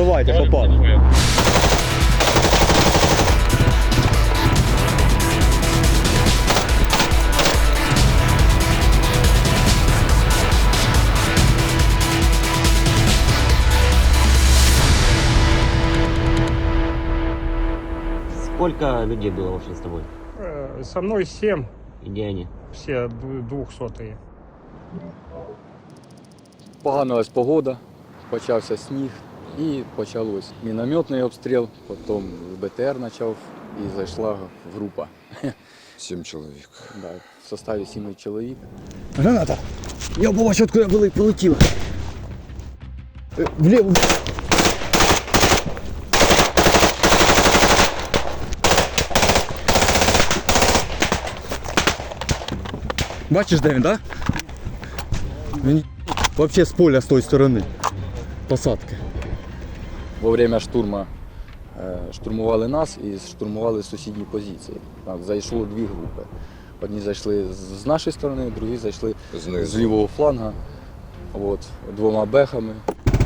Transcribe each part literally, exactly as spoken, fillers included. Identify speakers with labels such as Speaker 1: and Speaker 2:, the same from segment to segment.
Speaker 1: Добивайте, попали.
Speaker 2: Сколько людей было вообще с тобой?
Speaker 3: Э, Со мной семь,
Speaker 2: И где они?
Speaker 3: все д- двухсотые.
Speaker 4: Поганилась погода, почався сніг і почалось мінометний обстріл, потім БТР почав і зайшла група.
Speaker 5: Сім чоловік.
Speaker 4: Да, в составі сіми чоловік.
Speaker 1: Граната! Я побачив, откуда були, полетіла. Е, Вліво. Бачиш, де він, так? Да? Він взагалі з поля з тої сторони. Посадки.
Speaker 4: Во время штурму е, штурмували нас і штурмували сусідні позиції. Так, зайшло дві групи. Одні зайшли з з нашої сторони, другі зайшли
Speaker 5: Знизу.
Speaker 4: з лівого фланга, от, двома бехами.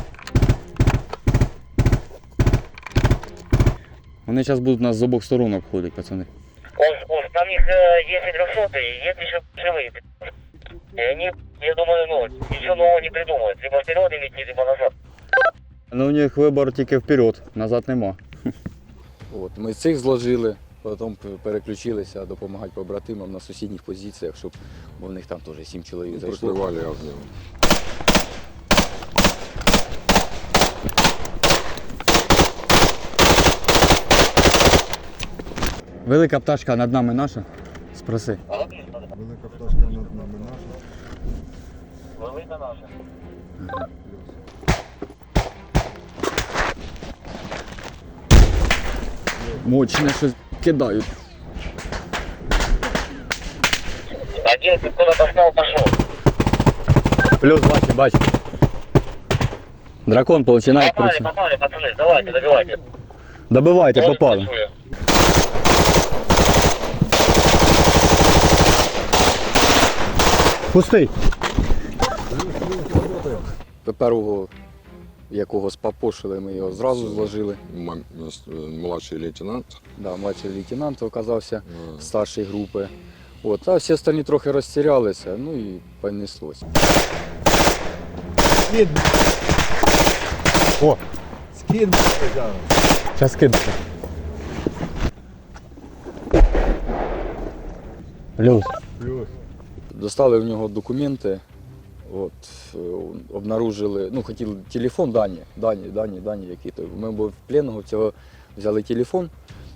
Speaker 1: Вони зараз будуть нас з обох сторон обходити, пацани.
Speaker 6: Он, он, там их э, есть и трехсотые, есть еще живые. И они, я думаю, ну, ничего нового не придумают. Либо вперед идти, либо назад.
Speaker 1: Ну у них вибор тільки вперед, назад нема.
Speaker 4: От, ми цих зложили, потім переключилися допомагати побратимам на сусідніх позиціях, щоб бо в них там теж сім чоловік зайшло.
Speaker 5: Прикривали огнем.
Speaker 1: Велика пташка над нами наша. Спроси.
Speaker 5: Велика пташка над нами наша.
Speaker 6: Велика наша.
Speaker 1: Мощне щось кидають.
Speaker 6: Один куда-то встал, пошел.
Speaker 1: Плюс бачу, бачу. Дракон починає
Speaker 6: Попали,
Speaker 1: працювати.
Speaker 6: попали, пацаны, давайте, добивайте.
Speaker 1: Добивайте,
Speaker 6: Он
Speaker 1: попали.
Speaker 6: працює.
Speaker 1: Пустий.
Speaker 4: Першого, якого спапошили, ми його зразу зложили.
Speaker 5: М- Младший лейтенант.
Speaker 4: Да, младший лейтенант оказався
Speaker 5: А,
Speaker 4: старшої групи. От, а всі остальні трохи розтірялися, ну і понеслось.
Speaker 1: О! Скид. Зараз кидати. Плюс.
Speaker 4: Достали в нього документи, от, е, обнаружили, ну хотіли телефон, дані, дані, дані, дані які то. Ми були в пленного цього взяли телефон.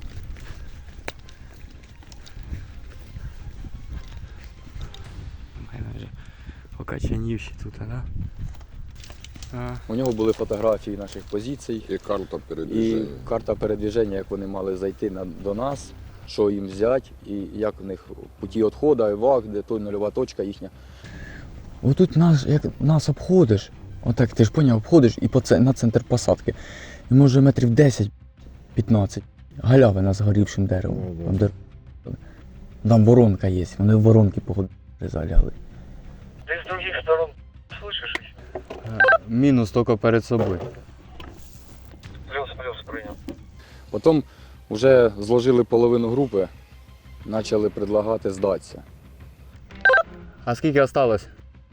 Speaker 1: У мене вже покачанівші тут, да? А.
Speaker 4: У нього були фотографії наших позицій
Speaker 5: І карта
Speaker 4: і
Speaker 5: передвіження.
Speaker 4: карта передвіження, як вони мали зайти на, до нас, що їм взяти, і як у них путі відходу, евак, де той нульова точка їхня.
Speaker 1: Отут нас, як нас обходиш, отак ти ж поняв, обходиш і по це, на центр посадки. І може метрів десять-п'ятнадцять. Галявина з горівшим деревом.
Speaker 5: Ну, да.
Speaker 1: Там, де... Там воронка є, вони в воронки погоди залягли.
Speaker 6: Ты с других сторон слышишь их?
Speaker 1: Мінус тільки перед собою.
Speaker 6: Плюс-плюс принял.
Speaker 4: Потім вже зложили половину групи, почали предлагати здатися.
Speaker 1: А скільки осталось?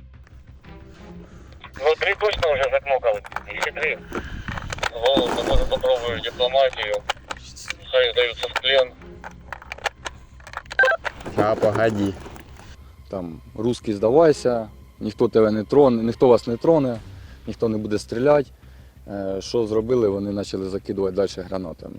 Speaker 6: Ну, три точно уже закнокал. Еще три. Волосы, может, попробую дипломатию. Хай сдаются в плен.
Speaker 1: А, погоди.
Speaker 4: Там русський здавайся, ніхто тебе не троне, ніхто вас не троне, ніхто не буде стріляти. Е, Що зробили, вони почали закидувати далі гранатами.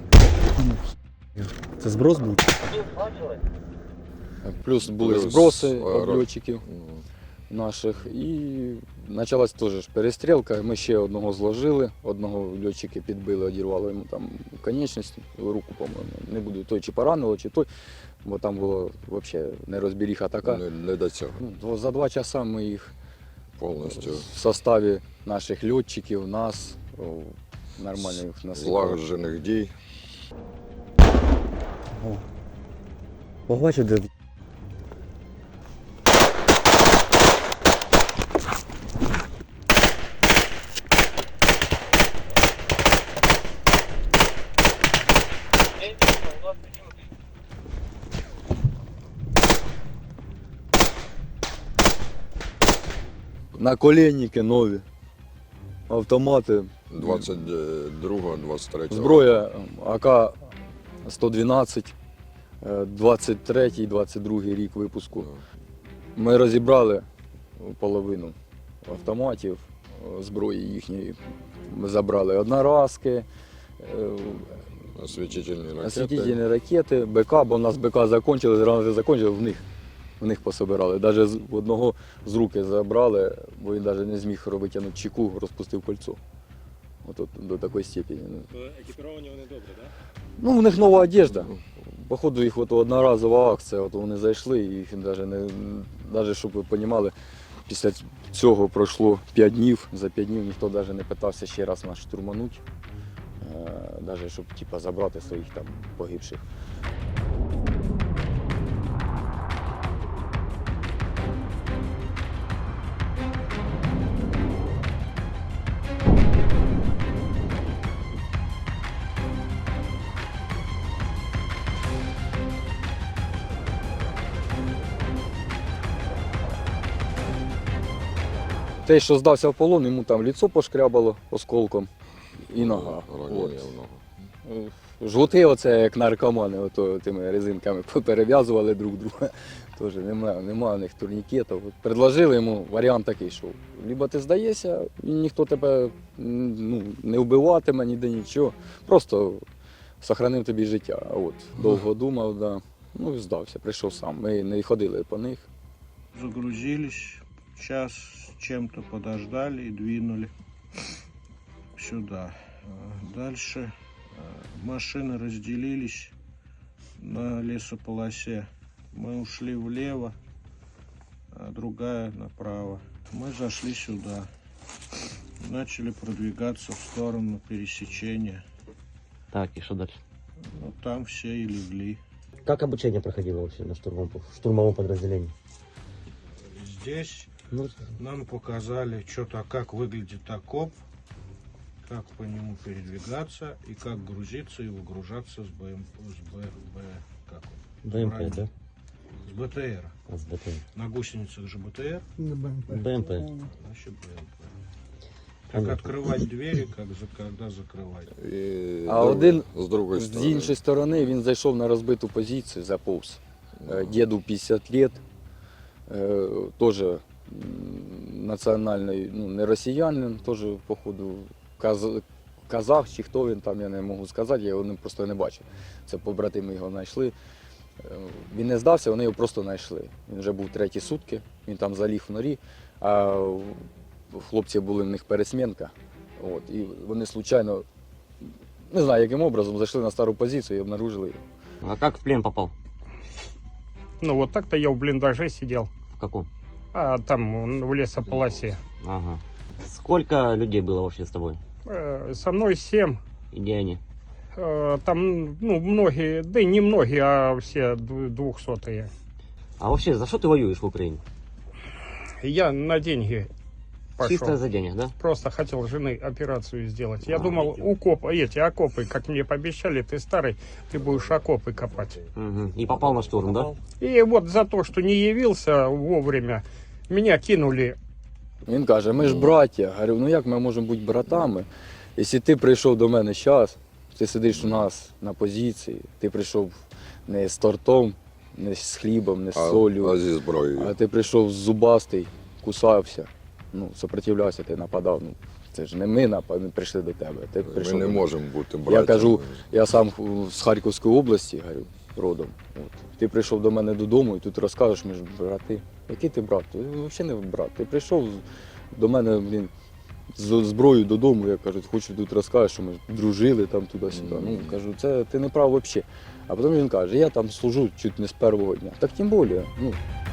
Speaker 1: Це зброс був?
Speaker 6: Плюс бачили?
Speaker 4: Плюс були
Speaker 5: Плюс
Speaker 4: зброси
Speaker 5: аеро-
Speaker 4: льотчиків
Speaker 5: Ну,
Speaker 4: наших. І почалась теж ж перестрілка. Ми ще одного зложили, одного льотчики підбили, одірвало йому там конечність, руку, по-моєму. Не буду той чи поранило, чи той, бо там було взагалі нерозберіха така.
Speaker 5: Не, не до цього.
Speaker 4: Ну, за два часа ми їх
Speaker 5: Повністю
Speaker 4: в составі наших льотчиків, нас, о, нормально їх насипали.
Speaker 5: злагоджених дій.
Speaker 1: Побачив, де
Speaker 4: Наколенники нові, автомати,
Speaker 5: двадцять другого, двадцять третього.
Speaker 4: зброя А К сто дванадцять, двадцять третій, двадцять другий рік випуску. Ми розібрали половину автоматів, зброї їхньої. Ми забрали одноразки, е,
Speaker 5: Освітительні ракети.
Speaker 4: освітительні ракети, БК, бо в нас БК закінчили, зразу закінчили, в них, в них пособирали. Навіть з одного з руки забрали, бо він навіть не зміг витягнути чеку, розпустив кольцо. От, от до такої степені.
Speaker 3: Екіпіровані вони добре, так?
Speaker 4: Ну, у них нова одежда. Походу, їх от одноразова акція, от вони зайшли, і їх навіть не, навіть, щоб ви розуміли, після цього пройшло п'ять днів, за п'ять днів ніхто навіть не питався ще раз нас штурманути, навіть щоб типу, забрати своїх там погибших. Те, що здався в полон, йому там ліцо пошкрябало осколком і нога.
Speaker 5: Ранення
Speaker 4: От.
Speaker 5: в ногу.
Speaker 4: Жгути оце як наркомани, ото тими резинками перев'язували друг друга. Тож немає, немає в них турнікетів. От предложили йому варіант такий, що либо ти здаєшся, і ніхто тебе ну, не вбиватиме, ніде нічого. Просто сохранив тобі життя. А от довго думав, да. Ну і здався, прийшов сам. Ми не ходили по них.
Speaker 7: Загрузились, час с чем-то подождали и двинули сюда. А дальше а, машины разделились на лесополосе. Мы ушли влево, а другая направо. Мы зашли сюда. Начали продвигаться в сторону пересечения.
Speaker 2: Так, и что дальше?
Speaker 7: Ну, там все и легли.
Speaker 2: Как обучение проходило вообще на штурмовом, в штурмовом подразделении?
Speaker 7: Здесь
Speaker 2: Ну,
Speaker 7: нам показали что-то, как выглядит окоп, как по нему передвигаться и как грузиться и выгружаться с БМ, с Б, Б, как он?
Speaker 2: БМП, да?
Speaker 7: С БТР.
Speaker 2: А, с БТР.
Speaker 7: На гусеницах же БТР,
Speaker 2: БМП.
Speaker 7: значит БМП. Как
Speaker 2: Понятно.
Speaker 7: открывать двери, как за, когда закрывать.
Speaker 5: І
Speaker 4: А
Speaker 5: друг-
Speaker 4: один
Speaker 5: з другої
Speaker 4: З
Speaker 5: сторони.
Speaker 4: іншої сторони він зайшов на розбиту позицію, заповз. Е, Діду п'ятдесят років, е, теж м, національний, ну не росіянин, теж, походу, каз, казах чи хто він там, я не можу сказати, я його не- просто не бачив. Це побратими його знайшли. Е, Він не здався, вони його просто знайшли. Він вже був треті сутки, він там заліг в норі, а хлопці були в них пересмінка. От, і вони случайно, не знаю, яким образом, зайшли на стару позицію і обнаружили його.
Speaker 2: А как в плен попал?
Speaker 3: Ну вот так-то я в блиндаже сидел,
Speaker 2: В каком?
Speaker 3: а там м, в лесополосе.
Speaker 2: Ага. Сколько людей было вообще с тобой?
Speaker 3: Э, Со мной семь.
Speaker 2: И где они?
Speaker 3: Э, Там, ну, многие, да и не многие, а все ду- двухсотые.
Speaker 2: А вообще, за что ты воюешь в Украине?
Speaker 3: Я на деньги
Speaker 2: Чисто
Speaker 3: пошел.
Speaker 2: за денег, да?
Speaker 3: Просто хотел жены операцию сделать. Я
Speaker 2: А,
Speaker 3: думал,
Speaker 2: идёт.
Speaker 3: укоп, эти окопы, как мне пообещали, ты старый, ты будешь окопы копать.
Speaker 2: Угу. И попал на штурм, да?
Speaker 3: И вот за то, что не явился вовремя, меня кинули.
Speaker 4: Він каже, ми ж браття. Говорю, ну як ми можемо бути братами? Якщо ти прийшов до мене зараз, ти сидиш у нас на позиції, ти прийшов не з тортом, не з хлібом, не з
Speaker 5: А,
Speaker 4: солью,
Speaker 5: а зі зброєю.
Speaker 4: а ти прийшов зубастий, кусався, ну, сопротивлявся, ти нападав. Ну, це ж не ми напад, ми прийшли до тебе. Ти
Speaker 5: Ми
Speaker 4: прийшов
Speaker 5: не
Speaker 4: до-
Speaker 5: можемо бути братями.
Speaker 4: Я кажу, я сам з Харківської області, говорю, родом. От. Ти прийшов до мене додому і тут розкажеш, ми ж брати. Який ти брат? Ти взагалі не брат. Ти прийшов до мене, блін, з зброєю додому, я кажу, хочу тут розкажеш, що ми дружили там туди-сюди. Ну, кажу, це ти не прав взагалі. А потім він каже, я там служу чуть не з першого дня. Так тим більше, ну,